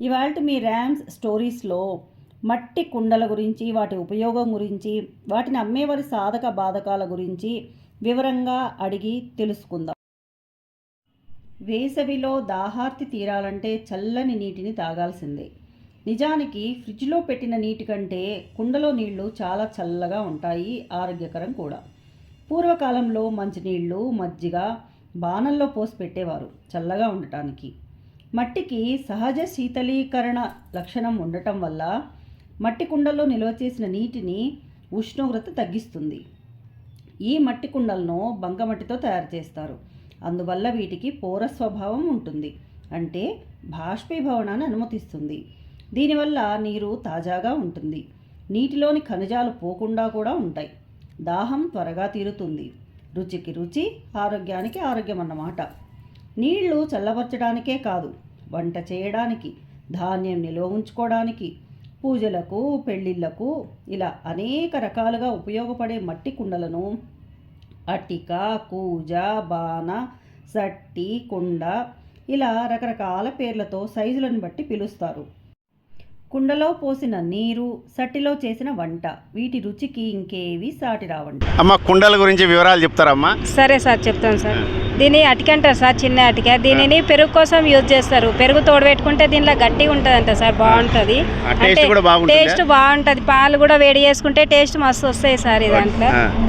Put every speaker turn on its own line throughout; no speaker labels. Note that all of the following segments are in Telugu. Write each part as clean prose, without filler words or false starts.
ఇవాల్టి మీ ర్యామ్స్ స్టోరీస్లో మట్టి కుండల గురించి, వాటి ఉపయోగం గురించి, వాటిని అమ్మేవారి సాధక బాధకాల గురించి వివరంగా అడిగి తెలుసుకుందాం. వేసవిలో దాహార్తి తీరాలంటే చల్లని నీటిని తాగాల్సిందే. నిజానికి ఫ్రిడ్జ్లో పెట్టిన నీటి కంటే కుండలో నీళ్లు చాలా చల్లగా ఉంటాయి, ఆరోగ్యకరం కూడా. పూర్వకాలంలో మంచినీళ్ళు, మజ్జిగ బాణల్లో పోసి పెట్టేవారు చల్లగా ఉండటానికి. మట్టికి సహజ శీతలీకరణ లక్షణం ఉండటం వల్ల మట్టి కుండల్లో నిల్వ చేసిన నీటిని ఉష్ణోగ్రత తగ్గిస్తుంది. ఈ మట్టి కుండలను బంకమట్టితో తయారు చేస్తారు. అందువల్ల వీటికి పోర స్వభావం ఉంటుంది, అంటే బాష్పీభవనాన్ని అనుమతిస్తుంది. దీనివల్ల నీరు తాజాగా ఉంటుంది. నీటిలోని ఖనిజాలు పోకుండా కూడా ఉంటాయి. దాహం త్వరగా తీరుతుంది. రుచికి రుచి, ఆరోగ్యానికి ఆరోగ్యం అన్నమాట. నీళ్లు చల్లబరచడానికే కాదు, వంట చేయడానికి, ధాన్యం నిల్వ ఉంచుకోవడానికి, పూజలకు, పెళ్ళిళ్ళకు ఇలా అనేక రకాలుగా ఉపయోగపడే మట్టి కుండలను అట్టిక, కూజ, బాణ, సట్టి, కుండ ఇలా రకరకాల పేర్లతో సైజులను బట్టి పిలుస్తారు. కుండలో పోసిన నీరు, సట్టిలో చేసిన వంట, వీటి రుచికి ఇంకేవి సాటి రావంట.
అమ్మ, కుండల గురించి వివరాలు చెప్తారమ్మా?
సరే సార్, చెప్తాను సార్. దీన్ని అటిక అంటారు సార్, చిన్న అటిక. దీనిని పెరుగు కోసం యూజ్ చేస్తారు. పెరుగు తోడబెట్టుకుంటే దీనిలో గట్టిగా ఉంటుంది అంట సార్, బాగుంటుంది. టేస్ట్ బాగుంటుంది. పాలు కూడా వేడి చేసుకుంటే టేస్ట్ మస్తు వస్తాయి సార్. ఇదంతా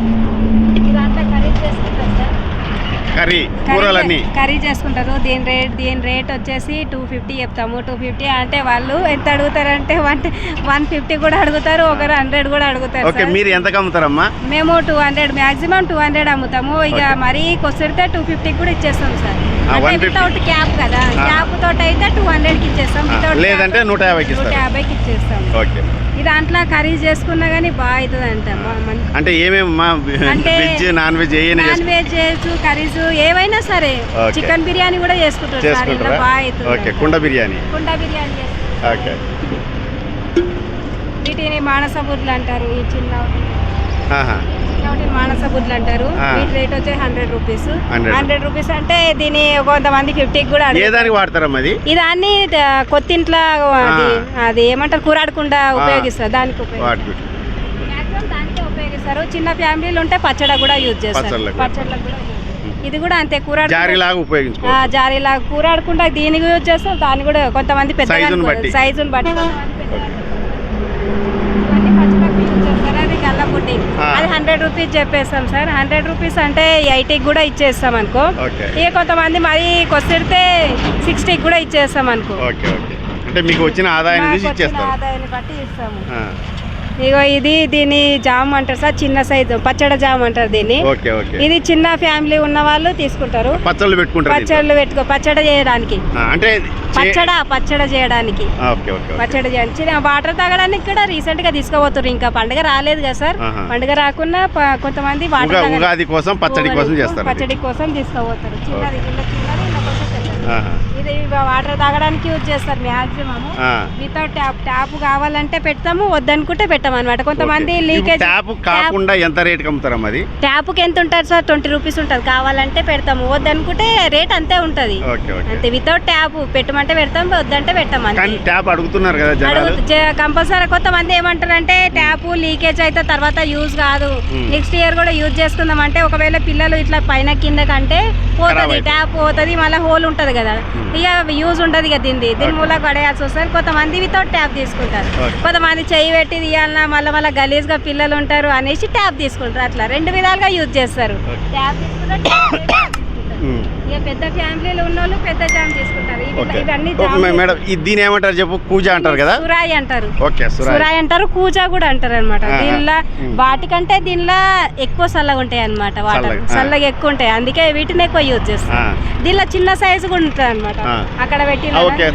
కర్రీ చేసుకుంటారు. దీని రేట్ వచ్చేసి 250 చెప్తాము. 250 అంటే వాళ్ళు ఎంత అడుగుతారంటే 150 కూడా అడుగుతారు, ఒకరు 100 కూడా అడుగుతారు.
మీరు ఎంత అమ్ముతారమ్మా?
మేము 200, మాక్సిమం 200 అమ్ముతాము. ఇక మరీ కొసిడితే 250 కూడా ఇచ్చేస్తాం సార్. అంటే వితౌట్ క్యాప్ కదా, క్యాప్ తోటి అయితే 200కి ఇచ్చేస్తాం,
లేదంటే 150కి
ఇచ్చేస్తాం. ఈ దాంట్లో కర్రీ చేసుకున్నా కానీ బాగా అవుతుంది అంట.
అంటే ఏమేమి వెజ్, నాన్ వెజ్
చేయొచ్చు, కర్రీస్ ఏవైనా సరే. చికెన్ బిర్యానీ కూడా చేసుకుంటారు సార్, ఇట్లా బాగా అవుతుంది.
కుండ బిర్యానీ
చేస్తారు. వీటిని మానస బుడ్లు అంటారు. ఈ చిన్న మానస బుడ్లు అంటారు. వీటి రేట్ వచ్చి 100 రూపీస్. 100 రూపీస్ అంటే దీని కొంతమంది 50కి కూడా
ఇది
దాన్ని కొత్తింట్లో అది ఏమంటారు, కూరాడకుండా ఉపయోగిస్తారు. దానికి మాక్సిమం దానికే ఉపయోగిస్తారు. చిన్న ఫ్యామిలీలు ఉంటే పచ్చడి కూడా యూజ్ చేస్తారు. పచ్చళ్ళకు కూడా ఇది కూడా అంతే, జారీలాగా కూరాడకుండా దీనికి యూజ్ చేస్తారు. దాన్ని కూడా కొంతమంది పెద్ద సైజుని బట్టి అది గల్లపుట్టి, అది 100 రూపీస్ చెప్పేస్తాం సార్. 100 రూపీస్ అంటే 80కి కూడా ఇచ్చేస్తాం అనుకో. ఇక కొంతమంది మరి కొసిడితే 60కి కూడా ఇచ్చేస్తాం అనుకో.
అంటే మీకు వచ్చిన ఆదాయాన్ని
బట్టి ఇస్తాము. ఇగో దీని జామ్ అంటారు సార్, చిన్న సైజు పచ్చడి జామ్ అంటారు దీన్ని. ఇది చిన్న ఫ్యామిలీ ఉన్న వాళ్ళు తీసుకుంటారు. పచ్చడి చేయడానికి, పచ్చడి చేయడానికి, చిన్న వాటర్ తాగడానికి కూడా రీసెంట్ గా తీసుకోబోతున్నారు. ఇంకా పండుగ రాలేదు కదా సార్, పండుగ రాకున్నా కొంతమంది
ఉగాది కోసం
పచ్చడి కోసం తీసుకోబోతారు. చిన్నది ఇది వాటర్ తాగడానికి యూజ్ చేస్తారు మ్యాక్సిమం. వితౌట్ ట్యాప్ కావాలంటే పెడతాము, వద్దనుకుంటే పెట్టాము అనమాట. కొంతమంది లీకేజ్. ట్యాప్కి ఎంత ఉంటుంది సార్? 20 రూపీస్ ఉంటుంది. కావాలంటే పెడతాము, వద్దనుకుంటే రేట్ అంతే ఉంటుంది అంతే. వితౌట్ ట్యాప్ పెట్టమంటే పెడతాం, వద్దంటే పెట్టాము. కంపల్సరీ. కొంతమంది ఏమంటారంటే ట్యాప్ లీకేజ్ అయితే తర్వాత యూజ్ కాదు, నెక్స్ట్ ఇయర్ కూడా యూజ్ చేసుకుందాం అంటే, ఒకవేళ పిల్లలు ఇట్లా పైన కింద కంటే పోతుంది, ట్యాప్ పోతుంది, మళ్ళీ హోల్ ఉంటుంది కదా, ఇక యూజ్ ఉండదు ఇక దీని మూల పడేయాల్సి వస్తుంది. కొంతమంది వితౌట్ ట్యాప్ తీసుకుంటారు. కొంతమంది చెయ్యి పెట్టి తీయాలన్నా మళ్ళీ గలీజ్ గా పిల్లలు ఉంటారు అనేసి ట్యాప్ తీసుకుంటారు. అట్లా 2 విధాలుగా యూజ్ చేస్తారు. ట్యాప్ తీసుకుంటారు, ఇక పెద్ద ఫ్యామిలీలు ఉన్న వాళ్ళు పెద్ద జామ్ తీసుకుంటారు.
దీని ఏమంటారు చెప్పు? కూజ అంటారు కదా,
సురాయి అంటారు. సురాయి అంటారు, కూజ కూడా అంటారు అనమాట. దీనిలో వాటికంటే దీనిలో ఎక్కువ చల్లగా ఉంటాయి అనమాట. వాటర్ చల్లగా ఎక్కువ ఉంటాయి, అందుకే వీటిని ఎక్కువ యూజ్ చేస్తారు. దీనిలో చిన్న సైజు కూడా ఉంటుంది అనమాట. అక్కడ పెట్టి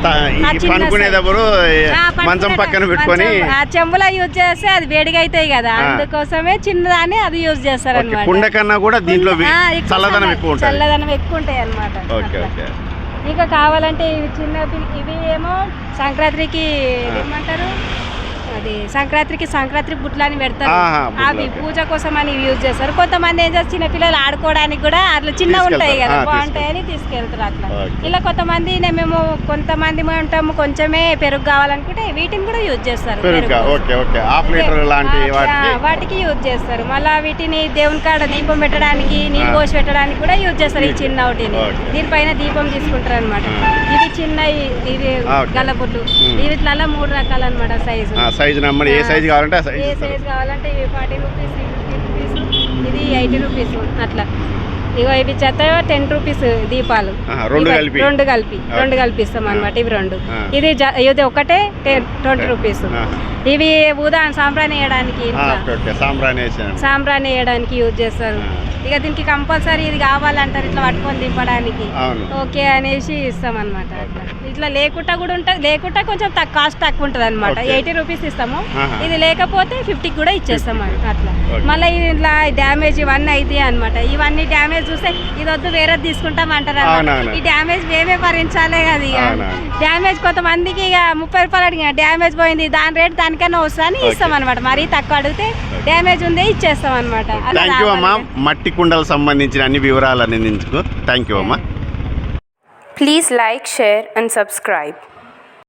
ఆ చెంబులో యూజ్ చేస్తే అది వేడిగా అవుతాయి కదా, అందుకోసమే చిన్నదాన్ని అది యూజ్ చేస్తారు అనమాట. చల్లదనం ఎక్కువ ఉంటాయి అనమాట. ఇక కావాలంటే ఇవి చిన్న, ఇవి ఏమో సంక్రాంతికి ఏమంటారు, అది సంక్రాంతి బుట్లు అని పెడతారు.
ఆహా, బుట్లు,
అవి
ఓకే.
పూజ కోసం అని యూజ్ చేస్తారు. కొంతమంది ఏం చేస్తారు, చిన్న పిల్లలు ఆడుకోవడానికి కూడా అట్లా చిన్నగా ఉంటాయి కదా,
తీసుకెళ్తారు.
బాగుంటాయని తీసుకెళ్తారు అట్లా.
ఓకే.
ఇలా కొంతమంది ఉంటాము, కొంచెమే పెరుగు కావాలనుకుంటే వీటిని కూడా యూజ్ చేస్తారు.
పెరుగు
పెరుగు
ఓకే ఓకే హాఫ్ లీటర్ లాంటి వాటికి
వాటికి యూజ్ చేస్తారు. మళ్ళీ వీటిని దేవుని కాడ దీపం పెట్టడానికి, నీళ్ళు పోసి పెట్టడానికి కూడా యూజ్ చేస్తారు. ఈ చిన్న ఒకటిని
ఓకే.
దీనిపైన దీపం తీసుకుంటారు అనమాట. ఇవి చిన్న ఇవి
ఓకే.
గల్లబుట్లు. వీటిలో 3 రకాలు అనమాట సైజు.
సైజు నమ్మడి ఏ సైజు కావాలంటే ఆ
ఏ
సైజు
సైజ్ కావాలంటే ఇవి 40 రూపీస్, 50 రూపీస్, ఇది 80 రూపీస్ అట్లా. ఇగో ఇవి చెత్త 10 రూపీస్ దీపాలు.
రెండు
రెండు కలిపి ఇస్తాం అనమాట. ఇవి 2.
ఆ.
ఇది ఒకటే 20 రూపీస్. ఇవి సాంబ్రాణి వేయడానికి,
సాంబ్రాణి వేసాను.
సాంబ్రాణి వేయడానికి యూజ్ చేస్తారు. ఇక దీనికి కంపల్సరీ ఇది కావాలంటారు, ఇట్లా పట్టుకొని దింపడానికి.
అవును.
ఓకే అనేసి ఇస్తాం అనమాట. అట్లా ఇట్లా లేకుండా కూడా ఉంటుంది. లేకుండా కొంచెం కాస్ట్ తక్కువ ఉంటుంది అనమాట.
ఓకే.
80 రూపీస్ ఇస్తాము.
ఆహా.
ఇది లేకపోతే 50 కూడా ఇచ్చేస్తాం అట్లా.
ఓకే.
మళ్ళీ ఇట్లా డ్యామేజ్ ఇవన్నీ అయితే అనమాట. ఇవన్నీ డ్యామేజ్ చూస్తే ఇది వద్దు వేరేది తీసుకుంటాం అంటారు అన్నమాట.
అవునవును.
ఈ డ్యామేజ్ మేమే భరించాలే కదా. ఇక
అవునవును.
డ్యామేజ్ కొంతమందికి ఇక 30 రూపాయలు అడిగిన డ్యామేజ్ పోయింది, దాని రేట్ దానికన్నా వస్తుందని ఇస్తాం అనమాట. మరీ తక్కువ అడిగితే డ్యామేజ్ ఉందే ఇచ్చేస్తాం అనమాట.
థ్యాంక్ యూ అమ్మా, మట్టి కుండలకు సంబంధించిన అన్ని వివరాలు అందించుకో. థ్యాంక్ యూ అమ్మా.
Please like, share and subscribe.